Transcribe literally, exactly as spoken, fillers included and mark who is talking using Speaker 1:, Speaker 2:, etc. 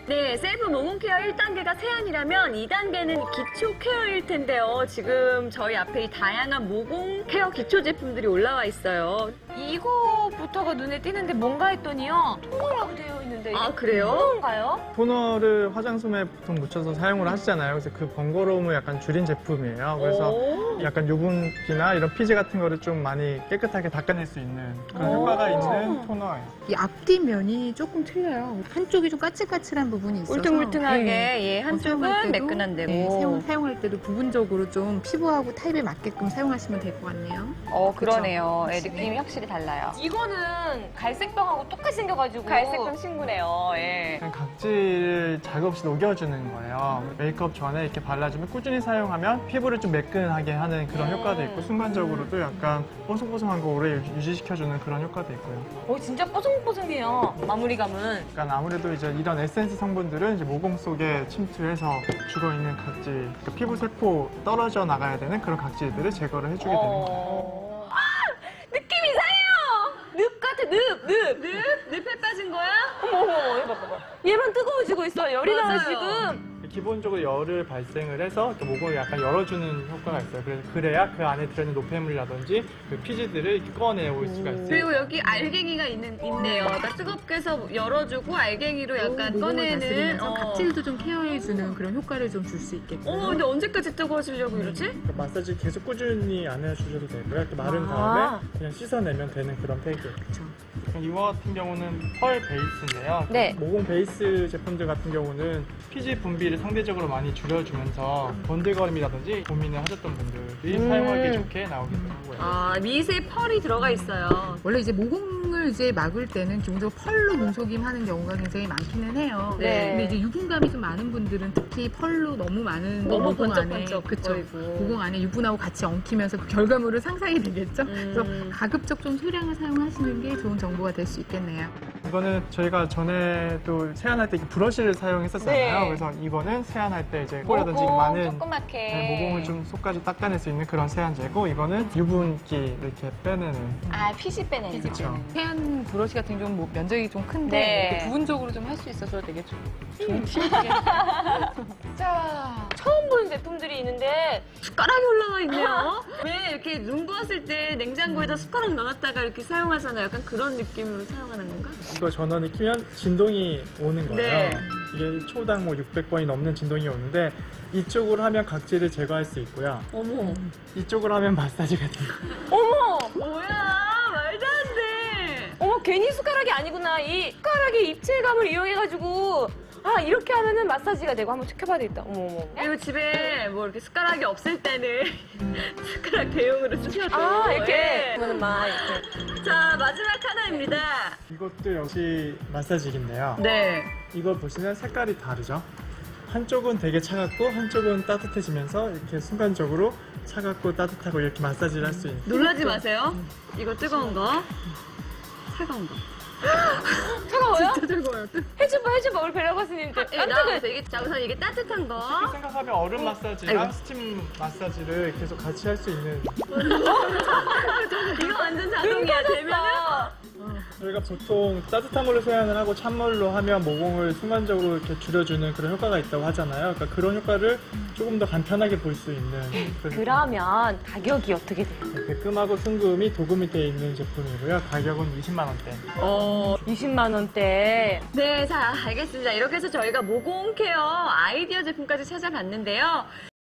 Speaker 1: 네, 셀프 모공 케어 일 단계가 세안이라면 이 단계는 기초 케어일 텐데요. 지금 저희 앞에 이 다양한 모공 케어 기초 제품들이 올라와 있어요.
Speaker 2: 이거부터가 눈에 띄는데 뭔가 했더니요. 토너라고 되어 있는데 이게
Speaker 1: 아, 그래요?
Speaker 2: 토너인가요?
Speaker 3: 토너를 화장솜에 보통 묻혀서 사용을 하시잖아요. 그래서 그 번거로움을 약간 줄인 제품이에요. 그래서
Speaker 1: 오.
Speaker 3: 약간 유분기나 이런 피지 같은 거를 좀 많이 깨끗하게 닦아낼 수 있는 그런
Speaker 1: 오.
Speaker 3: 효과가 있는 토너예요.
Speaker 4: 이 앞뒷면이 조금 틀려요. 한쪽이 좀 까칠까칠한 부분이 있어서
Speaker 1: 울퉁불퉁하게,
Speaker 4: 네.
Speaker 1: 예,
Speaker 4: 어,
Speaker 1: 한쪽은
Speaker 4: 사용할 때도,
Speaker 1: 매끈한데고.
Speaker 4: 네, 사용, 사용할 때도 부분적으로 좀 피부하고 타입에 맞게끔 사용하시면 될 것 같네요.
Speaker 2: 어, 그러네요. 예,
Speaker 4: 그쵸?
Speaker 2: 느낌이 확실히 달라요. 이거는 갈색병하고 똑같이 생겨가지고. 갈색병 친구네요. 예.
Speaker 3: 그냥 각질을 자극 없이 녹여주는 거예요. 메이크업 전에 이렇게 발라주면 꾸준히 사용하면 피부를 좀 매끈하게 하는 그런
Speaker 2: 음.
Speaker 3: 효과도 있고 순간적으로도 약간 뽀송뽀송한 거 오래 유지시켜주는 그런 효과도 있고요.
Speaker 2: 어, 진짜 뽀송뽀송해요. 마무리감은.
Speaker 3: 그러니까 아무래도 이제 이런 에센스 성분들은 이제 모공 속에 침투해서 죽어있는 각질, 그러니까 피부 세포 떨어져 나가야 되는 그런 각질들을 제거를 해주게 되는 거예요.
Speaker 2: 어... 아! 느낌 이상해요! 늪 같아, 늪, 늪.
Speaker 1: 늪? 늪에 빠진 거야?
Speaker 2: 어머, 어머, 얘 봐봐. 얘만 뜨거워지고 있어. 열이 나요,
Speaker 1: 맞아요.
Speaker 2: 지금.
Speaker 3: 기본적으로 열을 발생을 해서 이렇게 모공을 약간 열어주는 효과가 있어요. 그래서 그래야 그 안에 들어있는 노폐물이라든지 그 피지들을 이렇게 꺼내올 수가 있어요.
Speaker 1: 그리고 여기 알갱이가 있는, 있네요. 그러니까 뜨겁게 해서 열어주고 알갱이로 약간
Speaker 4: 모공을
Speaker 1: 꺼내는.
Speaker 4: 다스리면서
Speaker 1: 어.
Speaker 4: 각질도 좀 케어해주는 그런 효과를 좀 줄 수 있겠고요.
Speaker 1: 어머, 근데 언제까지 뜨거워지려고 이러지?
Speaker 3: 그러니까 마사지 계속 꾸준히 안 해주셔도 되고요. 이렇게 마른
Speaker 2: 아.
Speaker 3: 다음에 그냥 씻어내면 되는 그런 팩이에요.
Speaker 4: 그렇죠.
Speaker 3: 이거 같은 경우는 펄 베이스인데요.
Speaker 2: 네.
Speaker 3: 모공 베이스 제품들 같은 경우는 피지 분비를 상대적으로 많이 줄여주면서 번들거림이라든지 고민을 하셨던 분들이
Speaker 2: 음.
Speaker 3: 사용하기 좋게 나오기도 하고요.
Speaker 1: 아, 미세 펄이 들어가 있어요.
Speaker 4: 원래 이제 모공을 이제 막을 때는 기본적으로 펄로 눈속임 하는 경우가 굉장히 많기는 해요.
Speaker 1: 네.
Speaker 4: 근데 이제 유분감이 좀 많은 분들은 특히 펄로 너무 많은
Speaker 1: 너무
Speaker 4: 모공 안에
Speaker 1: 번쩍번쩍
Speaker 4: 그쵸.
Speaker 1: 거리고.
Speaker 4: 모공 안에 유분하고 같이 엉키면서 그 결과물을 상상이 되겠죠.
Speaker 1: 음.
Speaker 4: 그래서 가급적 좀 소량을 사용하시는 게 좋은 정보가 될 수 있겠네요.
Speaker 3: 이거는 저희가 전에도 세안할 때 이렇게 브러쉬를 사용했었잖아요.
Speaker 2: 네.
Speaker 3: 그래서 이거는 세안할 때 이제 코라든지
Speaker 2: 모공
Speaker 3: 많은
Speaker 2: 조그맣게.
Speaker 3: 네, 모공을 좀 속까지 닦아낼 수 있는 그런 세안제고 이거는 유분기 이렇게 빼내는.
Speaker 2: 아, 피지 빼내는 거.
Speaker 3: 그렇죠.
Speaker 4: 세안 브러쉬 같은 경우는 뭐 면적이 좀 큰데
Speaker 2: 네.
Speaker 4: 이렇게 부분적으로 좀 할 수 있어서 되게 좀 좋은 팁이겠네요.
Speaker 2: 자, 처음 보는 제품들이 있는데
Speaker 1: 숟가락이 올라와 있네요. 왜 이렇게 눈 부었을 때 냉장고에다 숟가락 넣었다가 이렇게 사용하잖아요. 약간 그런 느낌으로 사용하는 건가?
Speaker 3: 이거 전원을 키면 진동이 오는 거예요.
Speaker 1: 네.
Speaker 3: 이게 초당 뭐 육백 번이 넘는 진동이 오는데 이쪽으로 하면 각질을 제거할 수 있고요.
Speaker 1: 어머.
Speaker 3: 이쪽으로 하면 마사지가 돼요.
Speaker 2: 어머!
Speaker 1: 뭐야? 말도 안 돼.
Speaker 2: 어머, 괜히 숟가락이 아니구나. 이 숟가락의 입체감을 이용해가지고 아, 이렇게 하면은 마사지가 되고 한번 지켜봐야 되겠다. 어머, 어머.
Speaker 1: 그리고 집에 뭐 이렇게 숟가락이 없을 때는 숟가락 대용으로 쓰셔도.
Speaker 2: 아, 이렇게.
Speaker 1: 예.
Speaker 2: 그러면 막 이렇게.
Speaker 1: 자, 마지막 하나입니다.
Speaker 3: 이것도 역시 마사지기인데요.
Speaker 1: 네.
Speaker 3: 이걸 보시면 색깔이 다르죠? 한쪽은 되게 차갑고 한쪽은 따뜻해지면서 이렇게 순간적으로 차갑고 따뜻하고 이렇게 마사지를 할 수 있는.
Speaker 1: 놀라지 마세요. 이거 뜨거운 거. 차가운 거.
Speaker 2: 차가워요?
Speaker 4: 진짜 뜨거워요.
Speaker 2: 해줘봐, 해줘봐. 우리 베라 가수님.
Speaker 1: 예, 나와서 이게, 자, 우선 이게 따뜻한 거.
Speaker 3: 쉽게 생각하면 얼음 마사지랑 스팀 마사지를 계속 같이 할 수 있는.
Speaker 1: 이거 완전 자동이야. 되면은.
Speaker 3: 저희가 보통 따뜻한 걸로 세안을 하고 찬물로 하면 모공을 순간적으로 이렇게 줄여주는 그런 효과가 있다고 하잖아요. 그러니까 그런 효과를 조금 더 간편하게 볼 수 있는. 그래서
Speaker 2: 그러면 가격이 어떻게 돼요?
Speaker 3: 백금하고 순금이 도금이 되어 있는 제품이고요. 가격은 이십만 원대.
Speaker 1: 어.
Speaker 2: 이십만 원대.
Speaker 1: 네, 자, 알겠습니다. 이렇게 해서 저희가 모공 케어 아이디어 제품까지 찾아봤는데요.